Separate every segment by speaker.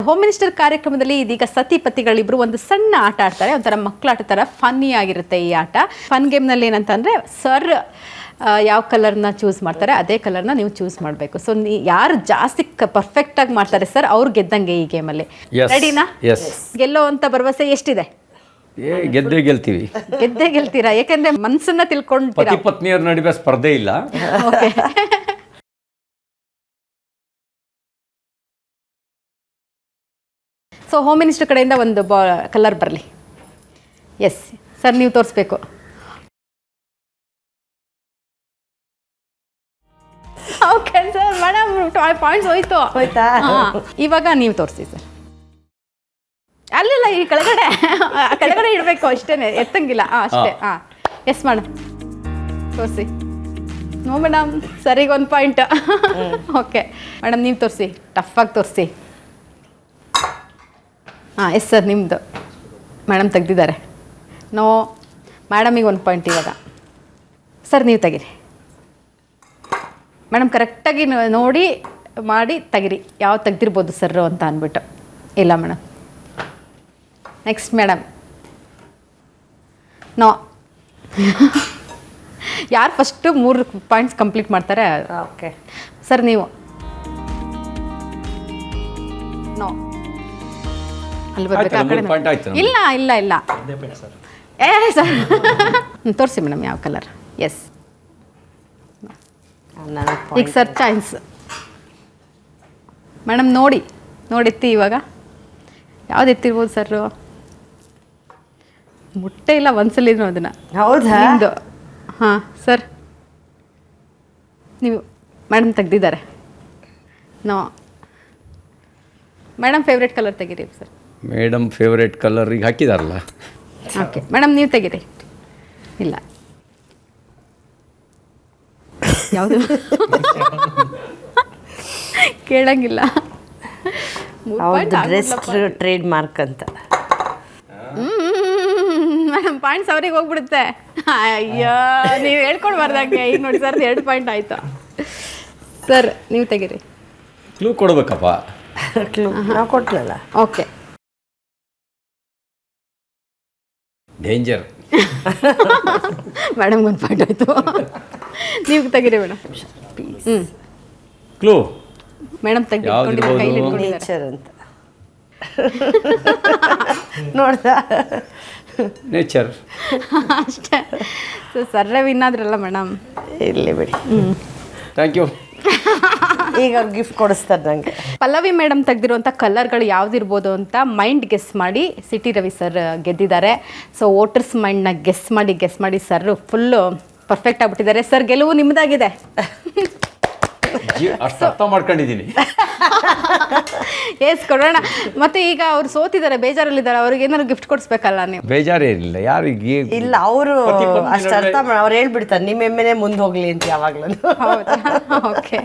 Speaker 1: Home minister ಕಾರ್ಯಕ್ರಮದಲ್ಲಿ ಇದೀಗ ಸತಿ ಪತಿಗಳಿಬ್ರು ಒಂದು ಸಣ್ಣ ಆಟ ಆಡ್ತಾರೆ, ಒಂಥರ ಮಕ್ಕಳಾಟ ಥರ ಫನ್ನಿ ಆಗಿರುತ್ತೆ ಈ ಆಟ. ಫನ್ ಗೇಮ್ನಲ್ಲಿ ಏನಂತಂದರೆ ಸರ್ ಯಾವ ಕಲರ್ನ ಚೂಸ್ ಮಾಡ್ತಾರೆ ಅದೇ ಕಲರ್ನ ನೀವು ಚೂಸ್ ಮಾಡಬೇಕು. ಸೊ ಯಾರು ಜಾಸ್ತಿ ಪರ್ಫೆಕ್ಟಾಗಿ ಮಾಡ್ತಾರೆ ಸರ್ ಅವ್ರು ಗೆದ್ದಂಗೆ ಈ ಗೇಮಲ್ಲಿ. ರೆಡಿನಾ? ಗೆಲ್ಲೋ ಅಂತ ಭರವಸೆ ಎಷ್ಟಿದೆ?
Speaker 2: ಗೆದ್ದೇ
Speaker 1: ಗೆಲ್ತೀರಾ? ಯಾಕಂದ್ರೆ ಮನ್ಸನ್ನ ತಿಳ್ಕೊಂಡ್ತೀರಾ.
Speaker 2: ಪತಿ ಪತ್ನಿಯರ ನಡುವೆ ಸ್ಪರ್ಧೆ ಇಲ್ಲ.
Speaker 1: ಓಕೆ. ಸೊ ಹೋಮ್ ಮಿನಿಸ್ಟರ್ ಕಡೆಯಿಂದ ಒಂದು ಕಲರ್ ಬರಲಿ. ಎಸ್ ಸರ್, ನೀವು ತೋರಿಸ್ಬೇಕು. ಓಕೆ ಸರ್, ಮೇಡಮ್ ಪಾಯಿಂಟ್ಸ್ ಹೋಯ್ತಾ? ಇವಾಗ ನೀವು ತೋರಿಸಿ ಸರ್. ಅಲ್ಲಿಲ್ಲ, ಈ ಕೆಳಗಡೆ ಇಡಬೇಕು ಅಷ್ಟೇ, ಎತ್ತಂಗಿಲ್ಲ. ಅಷ್ಟೇ. ಎಸ್ ಮೇಡಮ್, ತೋರಿಸಿ. ನೋ ಮೇಡಮ್, ಸರಿಗೆ 1 ಪಾಯಿಂಟ್. ಓಕೆ ಮೇಡಮ್, ನೀವು ತೋರಿಸಿ, ಟಫಾಗಿ ತೋರಿಸಿ. ಎಸ್ ಸರ್, ನಿಮ್ಮದು ಮೇಡಮ್ ತೆಗ್ದಿದ್ದಾರೆ. ನೋ ಮೇಡಮಿಗೆ 1 ಪಾಯಿಂಟ್. ಇವಾಗ ಸರ್ ನೀವು ತೆಗೀರಿ ಮೇಡಮ್, ಕರೆಕ್ಟಾಗಿ ನೋಡಿ ಮಾಡಿ ತೆಗಿರಿ, ಯಾವ ತೆಗ್ದಿರ್ಬೋದು ಸರ್ ಅಂತ ಅಂದ್ಬಿಟ್ಟು. ಇಲ್ಲ ಮೇಡಮ್. Next madam. ನೋ. ಯಾರು ಫಸ್ಟು 3 ಪಾಯಿಂಟ್ಸ್ ಕಂಪ್ಲೀಟ್ ಮಾಡ್ತಾರೆ. ಓಕೆ ಸರ್, ನೀವು. ನೋ. ಅಲ್ಲಿ ಬರ್ಬೇಕು, ಆ ಕಡೆ. ಇಲ್ಲ ಇಲ್ಲ ಇಲ್ಲ, ಸರ್ ತೋರಿಸಿ ಮೇಡಮ್ ಯಾವ ಕಲರ್. ಎಸ್, ಈಗ ಸರ್ ಚಾನ್ಸ್. ಮೇಡಮ್ ನೋಡಿತ್ತಿ ಇವಾಗ ಯಾವ್ದು ಎತ್ತಿರ್ಬೋದು ಸರ್? ಮುಟ್ಟೆ ಇಲ್ಲ ಒಂದ್ಸಲಿದ್ರು ಅದನ್ನು.
Speaker 3: ಹೌದಾ?
Speaker 1: ನಿಮ್ಮದು. ಹಾಂ ಸರ್, ನೀವು ಮೇಡಮ್ ತೆಗ್ದಿದ್ದಾರೆ. ನೋ ಮೇಡಮ್, ಫೇವ್ರೇಟ್ ಕಲರ್ ತೆಗೀರಿ ಸರ್.
Speaker 2: ಮೇಡಮ್ ಫೇವ್ರೇಟ್ ಕಲರ್ ಈಗ ಹಾಕಿದಾರಲ್ಲ.
Speaker 1: ಓಕೆ ಮೇಡಮ್, ನೀವು ತೆಗೀರಿ. ಇಲ್ಲ, ಯಾವುದು ಕೇಳಂಗಿಲ್ಲ.
Speaker 3: ಟ್ರೇಡ್ ಮಾರ್ಕ್ ಅಂತ
Speaker 1: ಮೇಡಮ್, ಪಾಯಿಂಟ್ಸ್ ಅವ್ರಿಗೆ ಹೋಗ್ಬಿಡುತ್ತೆ. ಅಯ್ಯೋ, ನೀವು ಹೇಳ್ಕೊಡ್ಬಾರ್ದಂಗೆ. ಈಗ ನೋಡಿ ಸರ್, 2 ಪಾಯಿಂಟ್ ಆಯಿತು. ಸರ್ ನೀವು ತೆಗೀರಿ.
Speaker 2: ಕ್ಲೂ ಕೊಡ್ಬೇಕಪ್ಪ.
Speaker 3: ನಾವು ಕೊಟ್ಟಲ್ಲ.
Speaker 1: ಓಕೆ.
Speaker 2: ಡೇಂಜರ್.
Speaker 1: ಮೇಡಮ್ 1 ಪಾಯಿಂಟ್ ಆಯಿತು. ನೀವು ತೆಗೀರಿ ಮೇಡಮ್.
Speaker 2: ಕ್ಲೂ
Speaker 1: ಮೇಡಮ್ ತೆಗೆದುಕೊಂಡಿದ್ದಾರೆ, ಕೈಲಿ ಇಟ್ಕೊಂಡಿದ್ದಾರೆ.
Speaker 3: ನೇಚರ್ ಅಂತ ನೋಡ್ದ.
Speaker 2: ನೇಚರ್
Speaker 1: ಅಷ್ಟೇ. ಸೊ ಸರ್ರೆ ವಿನ್ ಆದ್ರಲ್ಲ ಮೇಡಮ್.
Speaker 3: ಇರಲಿ ಬಿಡಿ.
Speaker 2: Thank you.
Speaker 3: ಈಗ ಅವ್ರು ಗಿಫ್ಟ್ ಕೊಡಿಸ್ತಾರೆ ನನಗೆ.
Speaker 1: ಪಲ್ಲವಿ ಮೇಡಮ್ ತೆಗೆದಿರುವಂಥ ಕಲರ್ಗಳು ಯಾವುದಿರ್ಬೋದು ಅಂತ ಮೈಂಡ್ ಗೆಸ್ ಮಾಡಿ ಸಿಟಿ ರವಿ ಸರ್ ಗೆದ್ದಿದ್ದಾರೆ. ಸೊ ವೋಟರ್ಸ್ ಮೈಂಡ್ನ ಗೆಸ್ ಮಾಡಿ ಸರ್ ಫುಲ್ಲು ಪರ್ಫೆಕ್ಟ್ ಆಗಿಬಿಟ್ಟಿದ್ದಾರೆ. ಸರ್, ಗೆಲುವು ನಿಮ್ಮದಾಗಿದೆ.
Speaker 2: ಅಷ್ಟು ಅರ್ಥ ಮಾಡ್ಕೊಂಡಿದ್ದೀನಿ.
Speaker 3: ಎಸ್ ಕೊಡೋಣ. ಮತ್ತೆ ಈಗ ಅವ್ರು ಸೋತಿದ್ದಾರೆ, ಬೇಜಾರಲ್ಲಿದ್ದಾರೆ, ಅವ್ರಿಗೆ ಏನಾದ್ರು ಗಿಫ್ಟ್ ಕೊಡಿಸ್ಬೇಕಲ್ಲ ನೀವು?
Speaker 2: ಬೇಜಾರೇನಿಲ್ಲ ಯಾರಿಗೆ.
Speaker 3: ಇಲ್ಲ, ಅವರು ಅಷ್ಟು ಅರ್ಥ ಮಾಡಿ ಅವ್ರು ಹೇಳ್ಬಿಡ್ತಾರೆ ನಿಮ್ಮ ಎಮ್ಮೆನೆ ಮುಂದೆ ಹೋಗ್ಲಿ ಅಂತ ಯಾವಾಗಲೂ.
Speaker 1: ಹೌದಾ? ಓಕೆ.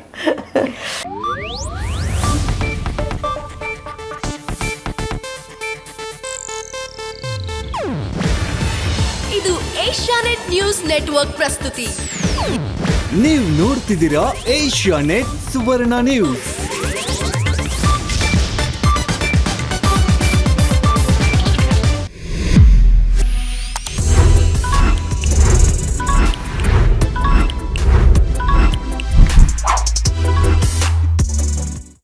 Speaker 4: ಇದು ಏಷ್ಯಾನೆಟ್ ನ್ಯೂಸ್ ನೆಟ್ವರ್ಕ್ ಪ್ರಸ್ತುತಿ.
Speaker 5: ನೀವು ನೋಡ್ತಿದ್ದೀರಾ ಏಷ್ಯಾನೆಟ್ ಸುವರ್ಣ ನ್ಯೂಸ್.